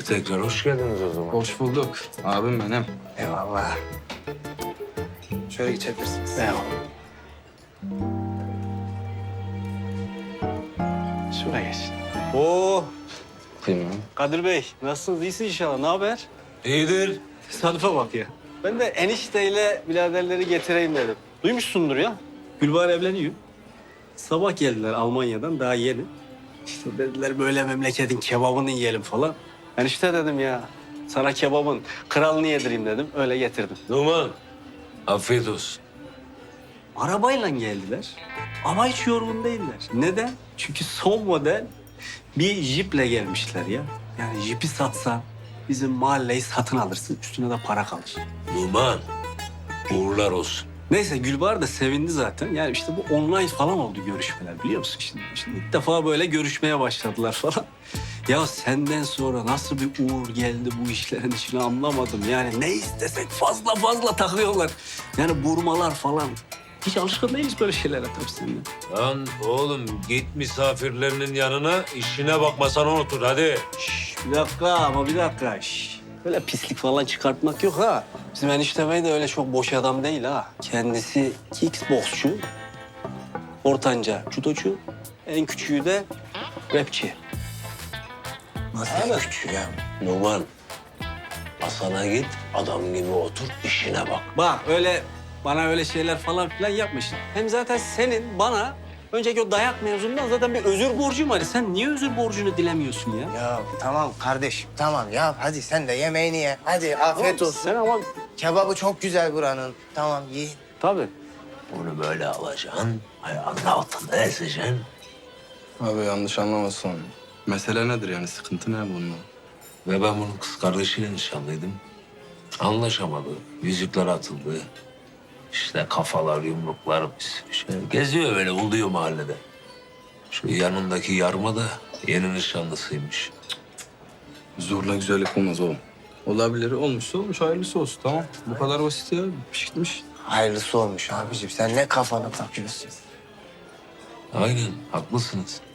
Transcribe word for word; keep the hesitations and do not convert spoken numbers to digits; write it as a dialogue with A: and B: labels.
A: E, tekrar hoş geldiniz o zaman.
B: Hoş bulduk. Abim benim.
C: Eyvallah. Şöyle geçebilirsiniz.
D: Eyvallah. Şuraya geç. Oo,
B: Kıyma.
D: Kadir Bey, nasılsınız? İyisiniz inşallah. Ne haber?
A: İyidir.
D: Tesadüfe bak ya. Ben de enişteyle biraderleri getireyim dedim. Duymuşsundur ya. Gülbahar evleniyor. Sabah geldiler Almanya'dan, daha yeni. İşte dediler böyle memleketin kebabını yiyelim falan. Enişte dedim ya, sana kebabın kralını yedireyim dedim. Öyle getirdim.
A: Numan, afiyet olsun.
D: Arabayla geldiler ama hiç yorgun değiller. Neden? Çünkü son model bir jiple gelmişler ya. Yani jipi satsan bizim mahalleyi satın alırsın. Üstüne de para kalır.
A: Numan, uğurlar olsun.
D: Neyse Gülbahar da sevindi zaten. Yani işte bu online falan oldu görüşmeler biliyor musun? Şimdi, şimdi ilk defa böyle görüşmeye başladılar falan. Ya senden sonra nasıl bir uğur geldi bu işlerin içine anlamadım. Yani ne istesek fazla fazla takıyorlar. Yani burmalar falan. Hiç alışkın değiliz böyle şeylere tabii seninle.
A: Lan oğlum git misafirlerinin yanına, işine bakmasan unutur hadi.
D: Şş, bir dakika ama bir dakika. Şş. Böyle pislik falan çıkartmak yok ha. Bizim enişte bey de öyle çok boş adam değil ha. Kendisi kickboksçu, ortanca judocu, en küçüğü de rapçi.
C: Nasıl küçük ya?
A: Numan, masana git, adam gibi otur, işine bak.
D: Bak öyle bana öyle şeyler falan filan yapmışsın. Hem zaten senin bana önceki o dayak mevzundan zaten bir özür borcum var. Sen niye özür borcunu dilemiyorsun ya?
C: Ya tamam kardeşim tamam ya hadi sen de yemeğini ye. Hadi afiyet olsun.
D: Sen ama
C: Kebabı çok güzel buranın. Tamam yiyin.
D: tabii.
A: Bunu böyle alacaksın, ayağının altında ezeceksin.
B: Abi yanlış anlamasın. Mesele nedir yani? Sıkıntı ne bunun?
A: Ve ben bunun kız kardeşiyle nişanlıydım. Anlaşamadı, yüzükler atıldı. İşte kafalar, yumruklar, bir sürü şey. Geziyor böyle, uluyor mahallede. Şu yanındaki yarma da yeni nişanlısıymış.
B: Zorla güzellik olmaz oğlum. Olabilir. Olmuşsa olmuş. Hayırlısı olsun. Tamam. Bu kadar basit ya. Pişmiş.
C: Hayırlısı olmuş abiciğim. Sen ne kafana takıyorsun?
A: Aynen, haklısınız.